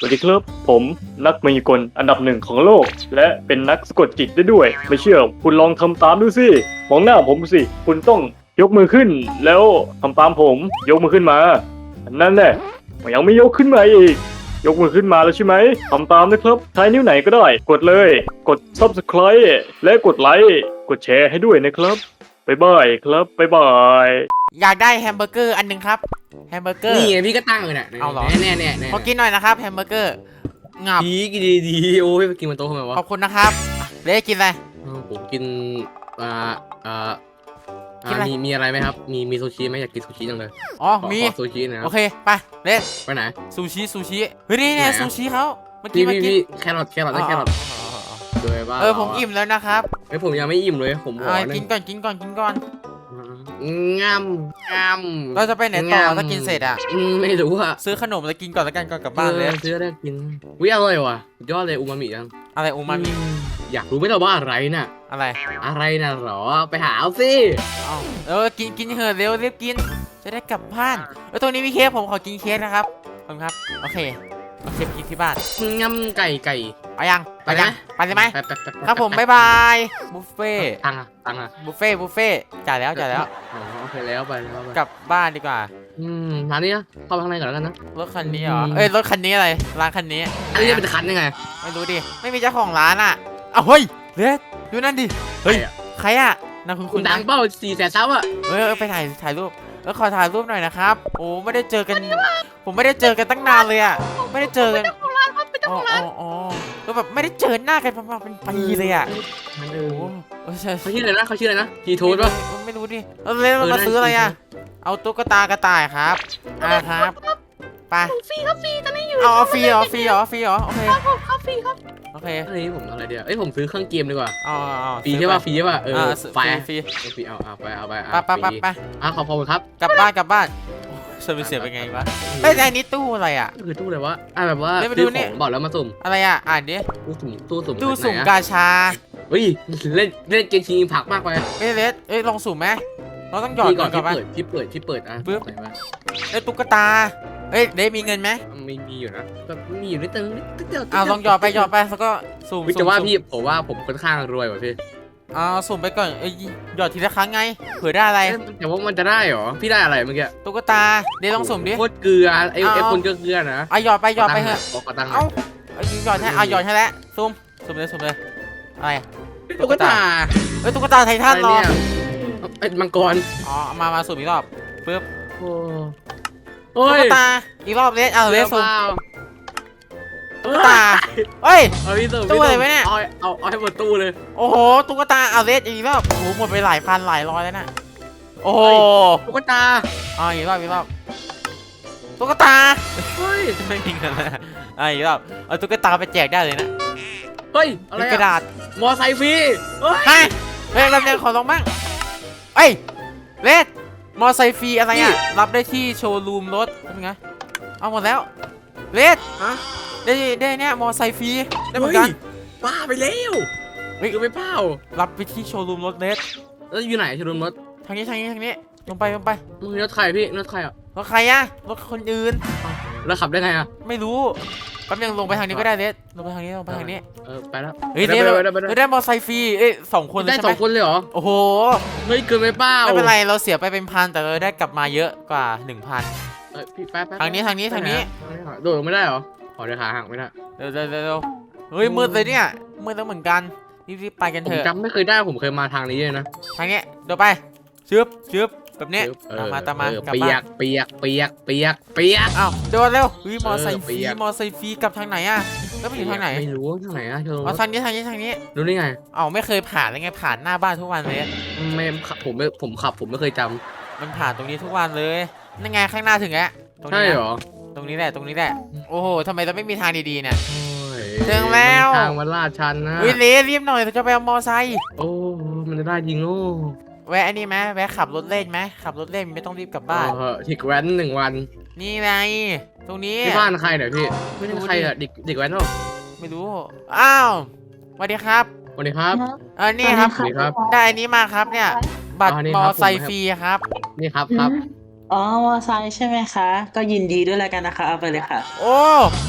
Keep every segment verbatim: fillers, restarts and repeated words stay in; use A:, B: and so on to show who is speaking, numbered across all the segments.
A: สวัสดีครับผมนักมายากลอันดับหนึ่งของโลก และเป็นนักสะกดจิตได้ด้วย ไม่เชื่อคุณลองทำตามดูสิมองหน้าผมสิคุณต้องยกมือขึ้น แล้วทำตามผมยกมือขึ้นมานั่นแหละยังไม่ยกขึ้นมาอีกยกมือขึ้นมาแล้วใช่ไหมทำตามนะครับใช้นิ้วไหนก็ได้ กดเลยกด ซับสไครบ์ และกดไลค์กดแชร์ให้ด้วยนะครับบ๊ายบายครับบ๊ายบาย
B: อยากได้แฮมเบอร์เกอร์อันหนึงครับแฮมเบอร์เกอร์
C: นี่ไงพี่ก็ตั้งเลยเนี่ย
B: เอาเหรอ
C: แน่แน่แน่
B: ขอกินหน่อยนะครับแฮมเบอร์เกอร์งับ
C: ดีกินดีดีโอ้ยไปกินมันโต๊ะทำไมวะ
B: ขอบคุณนะครับเล็กกินอะไร
C: ผมกินอ่าอ่า
B: กินอะไร
C: มีมีอะไรไหมครับมีมีซูชิไหมอยากกินซูชิจังเลย
B: อ๋อมี
C: ซูชินะ
B: โอเคไปเล็ก
C: ไปไหน
B: ซูชิซูชิเฮ้ยนี่ไงซูชิเขาเมื่อกี้
C: พี่
B: เมื่อกี้
C: พี่แครอทแครอทได้แครอทด้วยบ้า
B: เออผมอิ่มแล้วนะครับ
C: เฮ้ยผมยังไม่อิ่มเลยผม
B: อ่ากินก่อนกินก่อนกินก่อน
C: งามงาม
B: เราจะไปไหนต่อถ้ากินเสร็จอ่ะ
C: ไม่รู้อะ
B: ซื้อขนมแล้วกินก่อนแล้วกันก่อนกลับบ้านเลย
C: ซื้อได้กินวิอร่อยว่ะยอดเลยอูมามิยัง
B: อะไรอูมามิ
C: อยากรู้ไหมล่ะว่าอะไรน่ะ
B: อะไร
C: อะไรน่ะหรอไปหาเอาสิ
B: เออกินกินเถอะเร็วรีบกินจะได้กลับบ้านเออตรงนี้มีเค้กผมขอกินเค้กนะครับขอบคุณครับโอเคโอเคกินที่บ้าน
C: งามไก่ไก่
B: ไปยังไปยังไปเลยไหมครับผมบ๊ายบาย บุฟเฟ่
C: ตังอะตังอะ
B: บุฟเฟ่บุฟเฟ่จ่ายแล้วจ่ายแล้ว
C: อ๋อโอเคแล้วไปแล้ว
B: กลับบ้านดีกว่า
C: อืมร้านนี้นะเข้าไปข้างในก่อนแล้วกันนะ
B: รถคันนี้เหรอเอ้ยรถคันนี้อะไรร้านคันนี้
C: อันนี้เป็นคันยังไง
B: ไม่รู้ดิไม่มีเจ้าของร้านอ่ะอ้าวเฮ้ยเล็ดดูนั่นดิเฮ้ยใครอ่ะนั่นคุณ
C: คุณดังเป้าสี่แสนซับอ่ะ
B: เออไปถ่ายถ่ายรูปเออขอถ่ายรูปหน่อยนะครับโอ้ไม่ได้เจอกันผมไม่ได้เจอกันตั้งนานเลยอ่ะไม่ได้เจอกันอ๋ออ๋อก็แบบไม่ได้เจอหน้ากันประมาณเป็นปีเลยอ่ะ
C: โอ้
B: โห
C: เขาชื่ออะไรนะเขาชื่ออะไรนะจีทูดป่ะ
B: ไม่รู้ดิเออเลยมาซื้ออะไรอ่ะเอาตุ๊กตากระต่ายครับอ่าครับไป
D: ฟรีครับฟรีตอนนี้อยู่
B: เอาฟรีเหรอฟรีเหรอฟรีเหรอโอเค
D: ครับผมครับฟรีครับ
B: โอเค
C: เฮ้ยผมอะไรเดียวเอ้ยผมซื้อเครื่องเกมดีกว่า
B: อ๋อ
C: ฟรีใช่ป่ะฟรีใช่ป่ะเออไฟ
B: ฟรี
C: ฟรีเอาเอาไปเอาไป
B: ไปไปไปไป
C: อ่ะขอบคุณครับ
B: กลับบ้านกลับบ้านเซอร์วิสเสียเป็นไงวะเฮ้ยแต่อันนี้ตู้อะไรอ่ะ
C: คือตู้อะไรวะอ่ะแบบว่าซื้อของบอกแล้วมาสุ่ม
B: อะไรอ่ะอ่านดิ
C: ตู้สุ่มตู้สุ่ม
B: ตู้สุ่มกาชา
C: เฮ้ยเล่นเล่นเกมชิงผักมากไป
B: เอ้ยเลสเอ้ยลองสุ่มไหมเราต้องหยอด
C: ก่อนที่เปิดที่เปิดที่เปิดอ่ะ
B: ปึ๊บเอ้ยตุ๊กตาเอ้ยเดมีเงินไหม
C: ไม่มีอยู่นะก็มีอยู่นิดนึงนิดเดียว
B: อ้าวลองหยอดไปหยอดไปแล้วก็สุ่ม
C: แต่ว่าพี่ผมว่าผมค่อนข้างรวยกว่าพี่
B: อ้าวสุ่มไปก่อนเอ้ยหยอดทีละครั้งไงเผื่อได้อะไร
C: แต่ว่ามันจะได้หรอพี่ได้อะไรเมื่อกี้
B: ตุ๊กตาเดลองสุ่มดิ
C: โคตรเกลือไอ้ไอ้คนเกลือนะ
B: อ่ะหยอดไปหยอดไปเถอะ
C: บอกกระตัง
B: เอ้าหยอดให้อ่ะหยอดให้แล้วสุ่มสุ่มเลยสุ่มเลยอะไร
C: ตุ๊กตา
B: เอ้ยตุ๊กตาไททันหรอ
C: เป็นมังกร
B: อ๋อมามาสุ่มอีกรอบปึ๊บ
C: โอ้
B: ยตุ๊กตาอีกรอบเลสเอาเลสสุ่มตุ๊กตาเฮ้ยตู้อะไรวะเนี่ย
C: เอาเอาเอาให้หมดตู้เลย
B: โอ้โหตุ๊กตาเอาเลสอีกรอบโอ้โหหมดไปหลายพันหลายร้อยแล้วนะโอ้โห
C: ตุ๊กตา
B: อ๋ออีกรอบอีกรอบตุ๊กตาเฮ้ยไม่มีเงินเลยอ่ะอีกรอบเอาตุ๊กตาไปแจกได้เลยนะ
C: เฮ้ยอะไร
B: กระดาษ
C: มอไซค์ฟรี
B: เฮ้ยเฮ้ยรับเงินขอลองบ้างเอ้ยเลสมอไซค์ฟรีอะไรอ่ะรับได้ที่โชว์รูมรถเป็นไงเอาหมดแล้วเลส
C: ฮะ
B: ได้ได้เนี่ยมอไซค์ฟรีได้เหมือนกัน
C: บ้าไปแล้วเฮ้ยก็ไม่เป้า
B: รับไปที่โชว์รูมรถเลส
C: แล้วอยู่ไหนโชว์รูมรถ
B: ทางนี้ทางนี้ทางนี้ลงไปลงไป
C: มึงรถใครพี่รถใครอ่ะ
B: รถใครอ่ะรถคนอื่น
C: แล้วขับได้ไงอ่ะ
B: ไม่รู้แป๊บนึงลงไปทางนี้ก็ได้เลสลงไปทางนี้ลงไปทางนี้
C: เออไปแล้ว
B: เฮ้ยเนี่ยเราได้มอไซค์ฟรีเอ้ยสองคน
C: ได้สองคนเลยเหรอ
B: โอ้โห
C: เฮ้ยเกินไปเปล่า
B: ไม่เป็นไรเราเสียไปเป็นพันแต่เราได้กลับมาเยอะกว่าหนึ่งพัน
C: เออพี่แป๊บ
B: ทางนี้ทางนี้ทางนี้
C: โดดไม่ได้เหรอขอเดี๋ยวขาหักไม่ได้
B: เร็วเร็วเร็วเฮ้ยมืดเลยเนี่ยมืดแล้วเหมือนกันรีบๆไปกันเถอะ
C: ผมจำไม่เคยได้ผมเคยมาทางนี้เลยนะ
B: ทางนี้เดี๋ยวไปชึบชึบแบบนี้ตามมาตามมา
C: เปียกเปียกเปียกเปียกเปียก
B: อ้าวโดนเร็ววิมอไซค์ฟรีมอไซค์ฟรีกลับทางไหนอ่ะแล้วไปอยู่ทางไหน
C: ไม่รู้ทางไหนอ่ะเธอ
B: ทางนี้ทางนี้ทางนี้
C: รู้ได้ไง
B: อ้าวไม่เคยผ่านเลยไงผ่านหน้าบ้านทุกวันเลย
C: ไม่ผมไม่ผมขับผมไม่เคยจ
B: ำมันผ่านตรงนี้ทุกวันเลยนั่นไงข้างหน้าถึงแล้ว
C: ใช่เหรอ
B: ตรงนี้แหละตรงนี้แหละโอ้โหทำไมเราไม่มีทางดีๆเนี่ยถึงแล้ว
C: ทางมันลาดชันนะ
B: วิลลี่รีบหน่อยเราจะไปเอามอไซค์
C: โอ้มันจะได้ยิงโอ้
B: แวะอันนี้ไหมแวะขับรถเล่นไหมขับรถเล่นไม่ต้องรีบกลับบ้าน
C: เออถิกแว้นหนึ่งวัน
B: นี่ไงตรงนี้
C: ที่บ้านใครเนี่ยพี่ไม่ใช่ใครอะเด็กเด็กแว้นหรอ
B: ไม่รู้อ้าวสวัสดีครับ
C: สวัสดีครับ
B: เออนี่ครับได้อันนี้มาครับเนี่ยบัตรมอไซค์ฟรีครับ
C: นี่ครับครับ
D: อ๋อมอไซค์ใช่ไหมคะก็ยินดีด้วยแล้วกันนะคะเอาไปเลยค่ะ
B: โอ้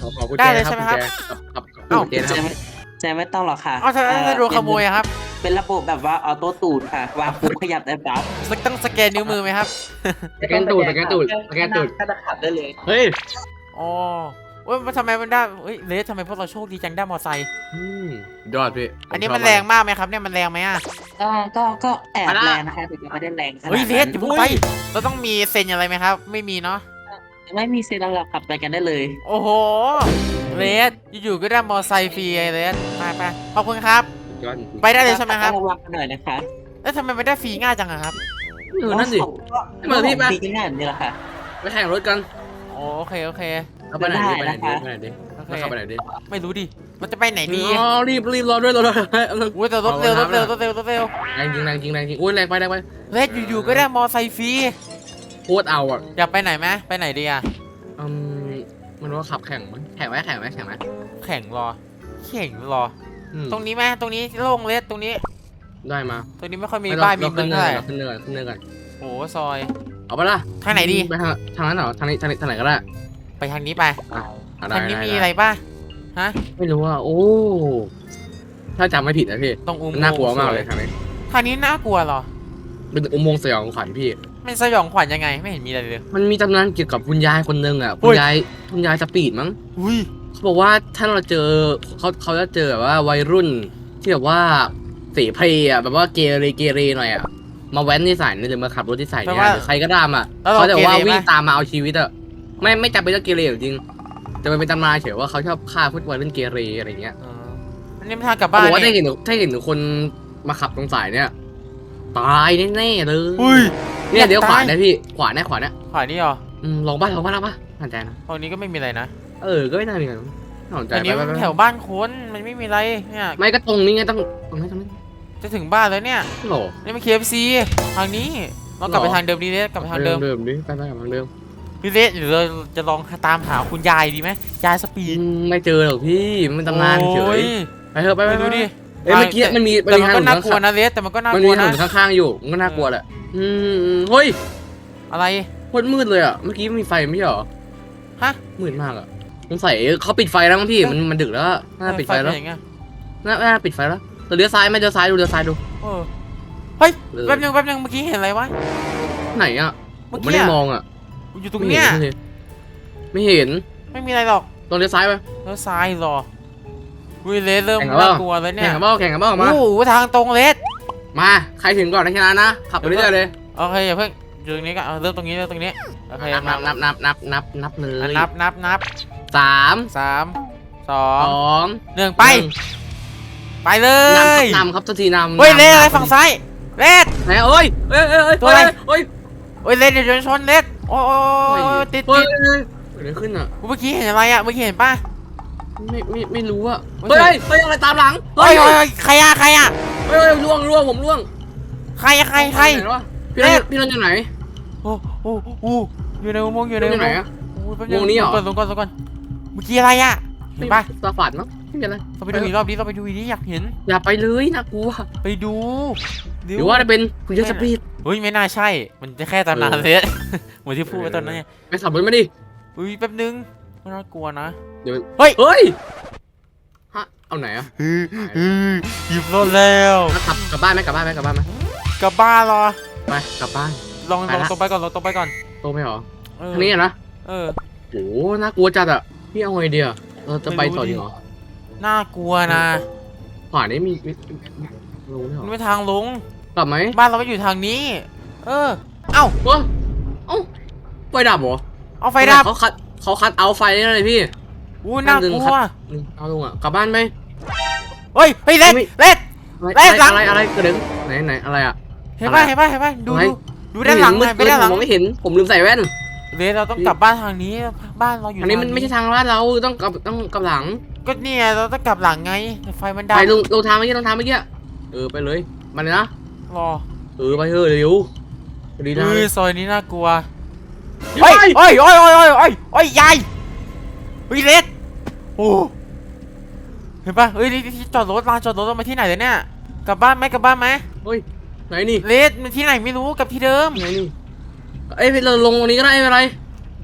C: ขอขอกุญ
B: ได้
C: แจ
B: เลย
C: ครั
B: ใช่
C: บ
B: ไหม
C: กุญ
B: ครับ
C: แจกับกับกับ
B: เอ้า
C: กุญแจนะ
E: แจ
C: ครับ
E: ไม่แจไม่ต้องหรอกค่ะ
B: เอาถ้าถ้าโดนขโมยอะครับ
E: เป็นระบบแบบว่าออโต้ตูนค่ะ วางปุ๊บขยับได้ปั๊บ
B: สักต้องสแกนนิ้วมือไหมครับ
C: สแกนตูดสแกนตูดสแกนตูด
E: ก็จะขับได้เลย
C: เฮ้ย
B: อ๋อเว้ยมันทำไมมันได้เฮ้ยเลสทำไมพวกเราโชคดีจังได้มอไซค์
C: อืมยอดพี่
B: อันนี้
C: ผชบ
B: มันแรงมากไหมครับเนี่ยมันแรงไหมอ่ะ
E: ก็ก็ก็แอบ
C: มาละ
E: แรงนะคะแต่ยังไม่ได้แรงขนาด
B: เฮ้ยเลส
E: นั้น
B: อย่าเพิ่งไปเราต้องมีเซ็นอะไรไหมครับ ไม่มีเนาะ
E: ไม่มีเซรั่มหรอกขับไปกันได้เลย
B: โอ้โหเลสอยู่ๆก็ได้มอไซค์ฟรีไอ้เลสไปไปขอบคุณครับ
C: ยอด
B: ไปได้เลยใช่ไหมครับ
E: ต้องระวังกันหน่อยนะคะ
B: แล้วทำไมไม่ได้ฟรีง่ายจังอะครับ
C: เออนั่นสิ
E: ก็
C: เหมือนพี่ปะ
E: ปีง่ายแบบนี้แหละค่ะ
C: ไปแข่งรถกัน
B: โอโอเคโอเค
C: เอาไปไหนดิไปไหนดิ
E: ได้
C: ไปไหนดิ
B: โอเค
C: แล้วเข้าไปไหนดิ
B: ไม่รู้ดิ มันจะไปไหนดี
C: อ๋อรีบรีบรอด้วยรอด้วย
B: อุ้ยแต่รถเร็วรถเร็วรถเร็วรถเร็ว
C: แรงจริงแรงจริงแรงจริงอุ้ยแรงไปแรงไป
B: เลสอยู่ๆก็ได้มอไซค์ฟรี
C: โคตรเอาอ่ะ
B: อยากไปไหนไหมไปไหนดีอะ
C: อืมมันว่าขับแข่งมั้ยแข่งไหมแข่งไหมแข่งไหม
B: แข่งรอ แข่งรอ
C: อืม
B: ตรงนี้ไหมตรงนี้โล่งเลสตรงนี้
C: ได้มา
B: ตรงนี้ไม่ค่อยมี
C: ไ
B: บ้านมี
C: เรา
B: เมื
C: ขึ้
B: อง
C: นเนิ
B: เท่าไหร่
C: นเราขึ้นเนินขึ้นเนินกัน
B: โอ้ซอย
C: เอาไปละ
B: ทางไหนดี
C: ไปทางทางนั้นเหรอทางนี้ทางนี้ทางไหนก็ได้
B: ไปทางนี้ไป
C: อ่ะอ่ะได้
B: ทางนี้
C: ด้
B: มี
C: ด้
B: อะไรป่ะ ฮะ
C: ไม่รู้ว่าโอ้ถ้าจำไม่ผิดนะพี่
B: ตรงอุโม
C: มัน
B: งค์
C: น่ากลัวมากเลยทางนี้
B: ทางนี้น่ากลัวเหรอ
C: เป็นอุโมงค์สยองขวัญพี่
B: มันสยองขวัญยังไงไม่เห็นมีอะไรเลย
C: มันมีตำนานเกี่ยวกับคุณยายคนหนึ่งอ่ะ
B: อุ้
C: คุณ
B: ย
C: ยายคุณยายสปีดมั้ง
B: อุ้ย
C: เขาบอกว่าถ้าเราเจอเขาเขาจะเจอแบบว่าวัยรุ่นที่แบบว่าเสเพลอ่ะแบบว่าเกเรเกเรหน่อยอ่ะมาแว้นที่สายนี่หรือมาขับรถที่สายเนี่ยหรือใครก็ตามอ่ะ
B: แล้วเรา
C: เขาจะว่า
B: เกเรไหม
C: วิ่งตามมาเอาชีวิตอ่ะไม่ไม่จำเป็นต้องเกเรจริงแต่มันเป็นตำนานเฉยว่าเขาชอบฆ่าพวกวัยรุ่นเกเรอะไรเงี้ย
B: เอออันนี้มันทางกลับ
C: เขา
B: บ้า
C: บ
B: น
C: อกว่าถ้า
B: นี่
C: เห็นถ้าเห็นคนมาขับตรงสายเนี่ยตายแน่ๆเลย
B: อุ้ย
C: เนี่ยเดี๋ยว
B: อยาก
C: ขวา
B: ตาย
C: นะพี่ขวาเนี่ยขวาเนี่ย
B: ขวานี่เหรอ
C: อืมลองบ้านลองบ้านลองบ้านสนใจนะ
B: ตรงนี้ก็ไม่มีอะไรนะ
C: เออก็ไม่น่ามีอะไรน่าสนใจ
B: อันนี้
C: ไป
B: มัน
C: ไปไป
B: แถวบ้านคนมันไม่มีอะไรเนี่ย
C: ไม่ก็ตรงนี้ไงต้องตรงนี้ตรงนี้
B: จะถึงบ้านแล้วเนี่ย
C: โหล
B: นี่มัน เค เอฟ ซี ทางนี้เรากลับไป
C: หรอ
B: ทางเดิมดีเลสกลับไปทางเดิม
C: เดิมดิไปไปกับทางเดิม
B: พี่เลสหรือเราจะลองตามหาคุณยายดีไหมยายสปีด
C: อืมไม่เจอหรอกพี่มันเป็นตำนานเฉ
B: โอ้
C: ยไปเถอะไปไป
B: ไม่
C: ไป
B: รู้ดิ
C: เอ้ยเมื่อกี้มันมีมัน
B: แต่
C: มี
B: มัน
C: ทาง
B: ก็
C: หนุ
B: น่ากลัวน
C: ข้าง
B: นะเลสแต่มันก็น่า
C: มัน
B: ก
C: มี
B: ลัว
C: ถน
B: นะ
C: นข้างๆอยู่มันก็น่ากลัวแหละอืมเฮ้ย
B: อะไร
C: โคตรมืดเลยอ่ะเมื่อกี้มีไฟไม่ใช่เหรอ
B: ฮะ
C: มืดมากอ่ะสงสัยเขาปิดไฟแล้วมั้งพี่มันมันดึกแล้วอะน่าปิดไฟแล้ว
B: เป็นอย่างเงี้ย
C: น่าน่าปิดไฟแล้วเราเลี้ยวซ้ายไหมเลี้ยวซ้ายดูเลี้ยวซ้ายดู
B: เออเฮ้ย
C: เออ
B: แป๊บนึงแป๊บนึงเมื่อกี้เห็นอะไรวะ
C: ไหนอ่ะผ
B: เมื่อ
C: ม
B: กี้
C: ไม่ได้
B: อะ
C: มองอ่ะ
B: อยู่ตรงเนี้ย
C: ไม่เห็น
B: ไม่มีอะไรหรอก
C: ตรงเลี้ยวซ้ายไป
B: แล้วซ้ายเหรอวิเลสเริ่ม
C: แข่งกันเปล่า
B: น่ากลัวแล้วเนี่
C: แข่
B: ย
C: งกันบ้าแข่งกันบ้ามา
B: โอ้โหทางตรงเลส
C: มาใครถึงก่อนในชนะนะขับไปเรื่อยๆเลย
B: โอเคอย่าเพิ่งอยู่ตรงนี้ก็เอาเริ่มตรงนี้เริ่มตรงนี้โอเค
C: นับนับนับนับนับนับนับเล
B: อ่ะ
C: ย
B: นับนับนับ
C: สาม
B: สามสอ
C: ส
B: ง
C: อง
B: หนึ่งไป
C: หนึ่ง
B: ไปเล
C: นำครั
B: ย
C: บนำครับทุกทีนำ
B: เฮ้ยเลส
C: นำ
B: อะไรฝั่งซ้ายเลส
C: ไหนเอ้ยเอ้ยเอ้ยเอ้ย
B: ตัวอะไร
C: เอ้ย
B: เฮ้ยเลสเดี๋ยวโดนชนเลสโอ้ยติด
C: เฮ้
B: ติ
C: ย
B: ด
C: เฮ้ยเกิดอะไรขึ้นอ่ะ
B: เมื่อกี้เห็นอะไรอ่ะเมื่อกี้เห็นป่ะ
C: ไม่ไม่ไม่รู้อ่ะ
B: ไม่
C: เฮ้ย
B: ใช่
C: เฮ้ยอะไรตามหลัง
B: เฮ้ยเฮ้ยเฮ้ยใครอ่ะใครอ่ะ
C: เฮ้ยเฮ้ยล่วงล่วงผมล่วง
B: ใครอะใครใคร
C: ไหนวะพี่นนท์พี่นนท์อยู่ไหน
B: โอ้โอ้โอ้อยู่ในอุโมงค์อยู่ใน
C: พี่นนท์
B: อุ
C: อยู่
B: โม
C: ไหน
B: งค์
C: อะ
B: โอ้ยแป๊บ
C: วงนี้เหรอ
B: ลงก่อนลงก่อนลงก่อนเมื่อกี้อะไรอ่ะเห็นป่ะ
C: ตาฝาดมั้งไม่เป็นไร
B: เราไปดูอีกรอบนี้เราไปดูอีกนี้อยากเห็น
C: อย่าไปเลยน่ากลัว
B: ไปดู
C: หรือว่าจะเป็นคุณยศปีด
B: เฮ้ยไม่น่าใช่ มันจะแค่ตำนาน
C: เออ
B: เลย เหมือนที่พูดไว้ตอนนั้นไง
C: ไปขับรถมาดิ
B: อุ้ยแป๊บนึงไม่น่ากลัวนะ
C: เดี๋ยว
B: เฮ้ย
C: เฮ้ยฮะเอาไหนอะ
B: หยิบรถแล้ว
C: มาขับกลับบ้านไหมกลับบ้านไหมกลับบ้านไหม
B: กลับบ้านเหรอ
C: ไปกลับบ้าน
B: ลอง
C: ไป
B: ลอง
C: ละ
B: ตรงไปก่อนลองตรงไปก่อน
C: โตไหมหรอ
B: เออ
C: ทางนี้อะนะ
B: เออ
C: โอ้น่ากลัวจัดอะพี่เอาไงดีอะเราจะไปต่อดีเหรอ
B: น่ากลัวนะ
C: ขวานี้มีมีมีรู้ไหมหร
B: มัน
C: อ
B: ไม่ทางลง
C: กลับไหม
B: บ้านเราไม่อยู่ทางนี้ เออ เอ้า
C: เอ้าเอ้าไฟดับเหรอ
B: เอาไฟดับ
C: เขาคัดเขาคัดเอาไฟนี่เลยพี่
B: อู้น่ากลัว
C: อืมเอาลงอะกลับบ้านไหม
B: เฮ้ยเฮ้ยเล็ด
C: ไม่
B: เล็ด
C: อะไร
B: เอ้ยหลัง
C: อะไรอะไรกระเด็นไหนไหนอะไรอะ
B: เห็นป่ะ
C: อะไร
B: เห็นป่ะเห็นป่ะดู
C: อะไร
B: ดูดูด้านหลังหน่อยไป
C: มื
B: ด้านหลัง
C: ผมมองไม่เห็นผมลืมใส่แว่น
B: เลสเราต้องกลับบ้านทางนี้บ้านเราอยู่
C: อันนี้มันไม่ใช่ทางลาดเราต้องกลับต้องกลับหลัง
B: ก็เนี่ยเราต้องกลับหลังไงไฟมันดับ
C: ไปลงลงทางเมื่อกี้ลงทางเมื่อกี้เออไปเลยมาเลยนะ
B: รอ
C: เออไปเถอะเร็วดีนะ
B: เฮ้ยซอยนี้น่ากลัว
C: เฮ้
B: เฮ้
C: ย
B: ยเฮ้ยเฮ้ยเฮ้ยเฮ้ยเฮ้ยเฮ้ยยายเฮ้ยเลสโอ้เห็นป่ะเฮ้ยนี่ที่จอดรถลานจอดรถเรามาที่ไหนเลยเนี่ยกลับบ้านไหมกลับบ้านไหม
C: เฮ้ยไหนนี่
B: เลสมันที่ไหนไม่รู้กับที่เดิม
C: ไหนนี่เอ้ยเราลงตรงนี้ก็ได้ไม่เป็นไร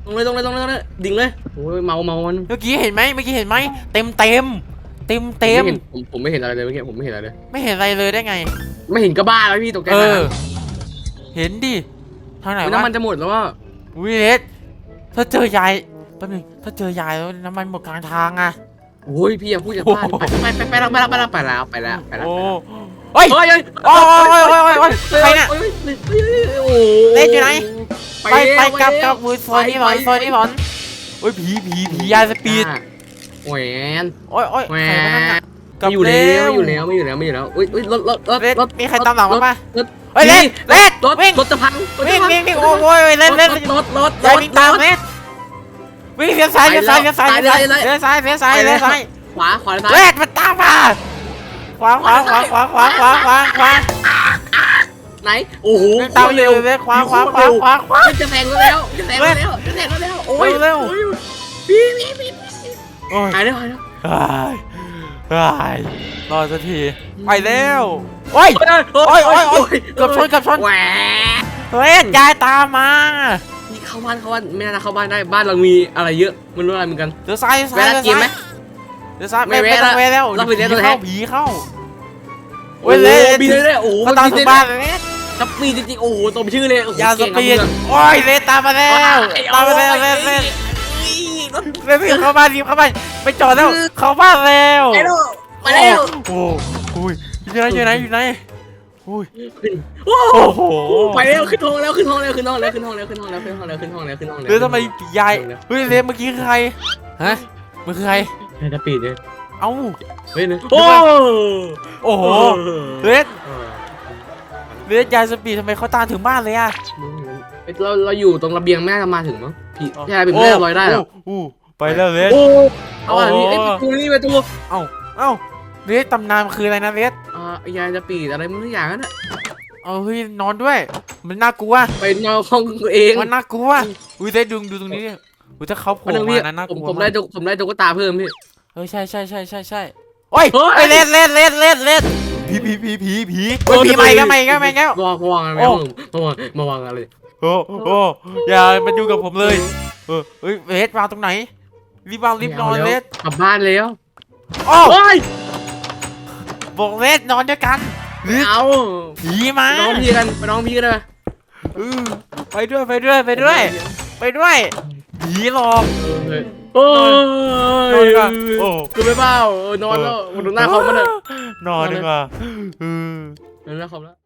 C: ตรงเลยตรงเลยตรงเลยตรงเลยดิ่งเลยโอ้ยเมาเมามัน
B: เมื่อกี้เห็นไหมเมื่อกี้เห็นไหมเต็มเต็มเต็มเต็ม
C: ไห็นผมผมไม่เห็นอะไรเลยเมื่อกี้ผมไม่เห็นอะไรเลย
B: ไม่เห็นอะไรเลยได้ไง
C: ไม่เห็นก็บ้าแล้วพี่ตกใจ
B: เอ
C: ขนาด
B: อ
C: นั้น
B: เห็นดิทางไหน
C: น้ำ
B: วะ
C: มันจะหมดแล้วว่า
B: วิเลสถ้าเจอยายแป๊บนึงถ้าเจอยายแล้วน้ำมันหมดกลางทางอะ
C: โอ้ยพี่อย่าพูดอย่าพลาดไปไปไปไปแล้วไปแล้วไปแล้วไปแล้วไปแล้วไปแล้ว
B: โอ้เฮ้ย
C: เฮ้ยเฮ้ย
B: โอ้ยโอ้ยโอ้ยโอ้ยโอ้ยใครเนี่ย
C: โอ้ยโอ้
B: เล่นอยู่ไหน ไปไป
C: แล้ว
B: กลับกลับ
C: ไป
B: มือโซนนี้หน่อยโซนนี้หน่อยโอ้ยผีผีผียายสปีด
C: แหวน
B: โอ้ยโอ้ย
C: แหว
B: ใครวะนั่น
C: น
B: น่ะ
C: ไม่อยู่แล้วไม่อยู่แล้วไม่อยู่แล้วไม่อยู่แล้วอุ้ยอุ้ยรถรถรถ
B: เล่น
C: รถ
B: มีใครตามหลังมาปะ
C: รถ
B: เฮ้ยเล่นเล่น
C: รถ
B: วิ่ง
C: รถจะพังรถ
B: วิ่
C: จะ
B: ง
C: พัง
B: วิ่งวิ่งโอ้ยโอ้ยเล่นเล่น
C: รถรถ
B: ยายวิ่งตามเล่นวิ่งเลี้ยวซ้ายเลี้ยวซ้ายเลี้ยวซ้าย
C: ไป
B: เลี้ยว
C: เลย
B: ซ้าย
C: เลย
B: เลี้ยวซ้ายเลี้ยวซ้ายเลี้ยวซ้าย
C: ขวาขวาซ้าย
B: เล่นมันตามมาขวาขวาขวาขวาขวาขวาขวาขวา
C: ไหนโอ้โห
B: วิ่งตามเร็วเลยขวาขวาขวาขวาขวา
C: จะแซงแล้วจะแซงแล้วจะแซงแล้วโอ้ย
B: เร็ว
C: พี่พี่พี่
B: โอ้ย
C: หายแล้วหายแล้ว
B: เฮ้ยเฮ้ยรอสักทีไปแล้วโอ้ย โอ้ยโอ้ยโอ้ยเกือบชนเกือบชน
C: แหว
B: เฮ้ยยายตามมา
C: นี่เข้าบ้านเข้าบ้านไม่น่าจะเข้าบ้านได้บ้านเรามีอะไรเยอะไม่รู้อะไรเหมือนกัน
B: เดี๋ยวซ้ายเดี๋ยวซ้าย
C: แวะ
B: เดี๋ยว
C: กินไหม
B: ซ้ายเดี๋ยวซ้าย
C: ไม่
B: ไม่
C: แวะ
B: ไม่ต้อง
C: ละ
B: แวะแล้ว
C: เราไปเรียน
B: ผี
C: ตัวแท
B: เข้าน ผีเข้า
C: โอ้
B: โอ้ย
C: โห
B: เลย
C: มีเลยเลยโอ้โห
B: เขาตามถึงบ้านเลย
C: จะมีจริงๆโอ้โหตบชื่อเลยโอ้โห
B: ยาส
C: เก่ง
B: ปีด
C: ครับ
B: โอ้ยเลนตามมาแล้วตามมาแล้วเล่นเล่นเล่นรีบเข้าบ้านรีบเข้าบ้านไปจอดแล้วเข้าบ้านแล้ว
C: ไปแล้วไปแล้ว
B: โอ้โหอยู่ไหนอยู่ไหนอยู่ไหนอุ้ย
C: โอ้
B: โอ้โห
C: ไปแล้วขึ้นห้องแล้วขึ้นห้องแล้วขึ้นห้องแล้วขึ้นห้องแล้วขึ้นห้องแล้วขึ้นห้องแล้วขึ้นห้องแล้วขึ้นห้องแล้ว
B: เดี๋ยวทำไมยายเฮ้ยเลนเมื่อกี้คือใครฮะมันคือใคร
C: จะปิดเลย
B: เอ้า
C: เฮ้ยโอ้
B: โอ้โหเลนเลนยายสปีดทำไมเขาตามถึงบ้านเลยอะ
C: เราเราอยู่ตรงระเบียงแม่จะมาถึงมั้งพี่ใช่เป็นแม่ลอยได้หรอ
B: โอ้ไปแล้วเลน
C: โอ้เอาอะไรนี่ไอ้ประตูนี่ประตู
B: เอ้าเอ้าเลนตำนานคืออะไรนะเลน
C: อ่ายายจะปีดอะไรมันทุกอย่างนั่นแหละ
B: เอาเฮ้ยนอนด้วย มันน่ากลัว
C: ไปนอนห้องตัวเอง
B: มันน่ากลัวอุ้ยได้ดูดูตรงนี้ดิอุ้ยถ้าเขาโผล่
C: วันนึงพี่
B: มานะน่าก
C: ผม
B: ลัว
C: ผมได้
B: มาก
C: ตุ๊กผมได้ตุ๊กตาเพิ่มพี่
B: เออใช่ใช่ใช่ใช่ใช่โอ้ย
C: เฮ้ย
B: ไอ้เล่นเล่นเล่นเล่นเล่นผีผีผีผีผีเฮ้ยผีใหม่ก็ใหม่ก็ใหม่ก็
C: มาวางมาวางอะไร
B: โอ้
C: มาวางมาวางอะไร
B: โอ้โอ้อย่ามาดูกับผมเลยเออเฮ้ยเลสวางตรงไหนรีบวางรีบนอนเลส
C: กลับบ้านแล้ว
B: โอ้
C: โอ้ย
B: บอกเลสนอนด้วยกันหรือ
C: เอา
B: ผีมา
C: ไปน้องพี่กันไปน้องพี่กันเลย
B: เออไปด้วยไปด้วยไปด้วย ไปด้วยผีหลอก
C: โอ้
B: นอน
C: ย
B: ดีกว่าโอ้
C: คือไม่เบ้านอนแล้วดูหน้าเขามันเลย
B: นอนดีกว่าเออ
C: ดูหน้าเขาแล้ว